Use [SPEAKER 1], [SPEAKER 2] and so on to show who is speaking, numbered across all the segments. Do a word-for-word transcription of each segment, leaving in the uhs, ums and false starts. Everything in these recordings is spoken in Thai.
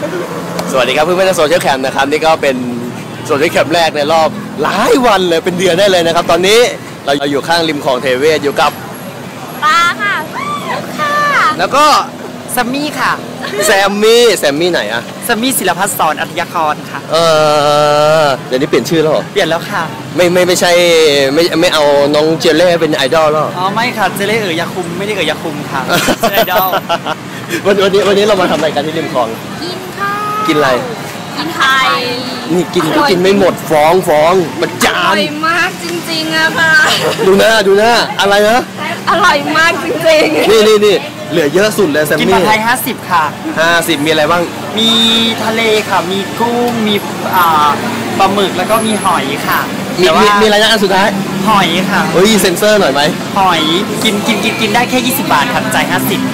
[SPEAKER 1] สวัสดีครับเพื่อนๆในโซเชียลแคมป์นะครับนี่ก็เป็นโซเชียลแคมป์แรกในรอบหลายวันเลยเป็นเดือนได้เลยนะครับตอนนี้เราอยู่ข้างริมคลองเทเวศอยู่กับ
[SPEAKER 2] ปลาค่ะค่ะ
[SPEAKER 1] แล้วก็
[SPEAKER 3] แซมมี่ค่ะ
[SPEAKER 1] แซมมี่แซมมี่ไหนอะ
[SPEAKER 3] แซมมี่ศิลพัฒน์สอนอัธยากรค่ะ
[SPEAKER 1] เออเดี๋ยวนี้เปลี่ยนชื่อแล้วเหรอ
[SPEAKER 3] เปลี่ยนแล้วค่ะ
[SPEAKER 1] ไม่ไม่ไม่ใช่ไม่ไม่เอาน้องเจเล่เป็นไอดอลแล้ว
[SPEAKER 3] อ๋อไม่ค่ะเจเล่เอ๋ยยาคุมไม่ได้เอ๋ยยาคุมค่ะไอดอล
[SPEAKER 1] วันวันนี้วันนี้เรามาทำอะไรกันที่ริมคลอง
[SPEAKER 2] กินข้าว
[SPEAKER 1] กินอะไร
[SPEAKER 2] กินไข่
[SPEAKER 1] นี่กินก็กินไม่หมดฟ้องฟ้องมันจานอร่
[SPEAKER 2] อยมากจริงๆอะค่ะ
[SPEAKER 1] ดูหน้าดูหน้าอะไรนะ
[SPEAKER 2] อร่อยมากจริง
[SPEAKER 1] ๆนี่นี่นี่เหลือเยอะสุดเลยแซมมี่
[SPEAKER 3] กินผัดไทยห้าสิบค่ะ
[SPEAKER 1] ห้าสิบมีอะไรบ้าง
[SPEAKER 3] มีทะเลค่ะมีกุ้งมีอ่าปลาหมึกแล้วก็มีหอยค่ะ
[SPEAKER 1] มีมีมีอะไรนะอันสุดท้าย
[SPEAKER 3] หอยค่ะ
[SPEAKER 1] เฮ้ยเซ็นเซอร์หน่อยไหม
[SPEAKER 3] หอยกินกินกินกินได้แค่ยี่สิบบาทค่ะจ่ายห้าสิบ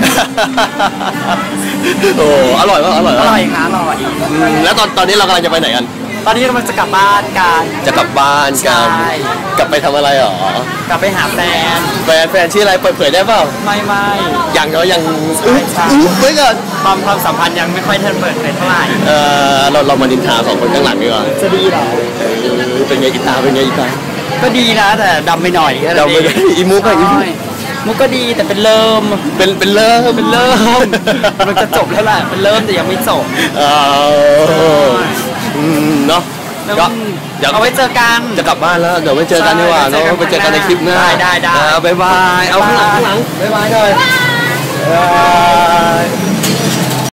[SPEAKER 1] โอ้อร่อยมากอร่อย
[SPEAKER 3] อร่อยค่ะอร่อย
[SPEAKER 1] แล้วตอนตอนนี้เรากำลังจะไปไหนกัน
[SPEAKER 3] ตอนนี้เราจะกลับบ้านกัน
[SPEAKER 1] จะกลับบ้านกันกลับไปทำอะไรหร
[SPEAKER 3] อกลับไปหาแฟน
[SPEAKER 1] แฟนแฟนชื่ออะไรเปิดเผยได้เปล่า
[SPEAKER 3] ไม่ไม่
[SPEAKER 1] ยังเนาะยัง
[SPEAKER 3] อุ๊
[SPEAKER 1] บไว้ก่อน
[SPEAKER 3] ความความสัมพันธ์ยังไม่ค่อยทันเปิดเผยเท่าไหร่
[SPEAKER 1] เออเราเรามาดินทาสองคนข้างหลังดีกว่า
[SPEAKER 3] จะดีเหรอ
[SPEAKER 1] เป็นไงอีตาเป็นไงอีตา
[SPEAKER 3] ก็ดีนะแต่ดำไปหน่อย
[SPEAKER 1] ดำไปอีมุกอะอีมุก
[SPEAKER 3] มุกก็ดีแต่เป็นเริ่ม
[SPEAKER 1] เป็นเป็นเริ่ม
[SPEAKER 3] เป็นเริ่มมันจะจบแล้วแหละเป็นเริ่มแต่ยังไม่จบ
[SPEAKER 1] เออเนาะ
[SPEAKER 3] ก็เอาไว้เจอกัน
[SPEAKER 1] จะกลับบ้านแล้วเดี๋ยวไปเจอกันดีกว่าเนาะไปเจอกันในคลิปหน้า
[SPEAKER 3] ได้ได้
[SPEAKER 1] บ๊ายบายเอาข้างหลังข้างหลังบ๊ายบายหน่อย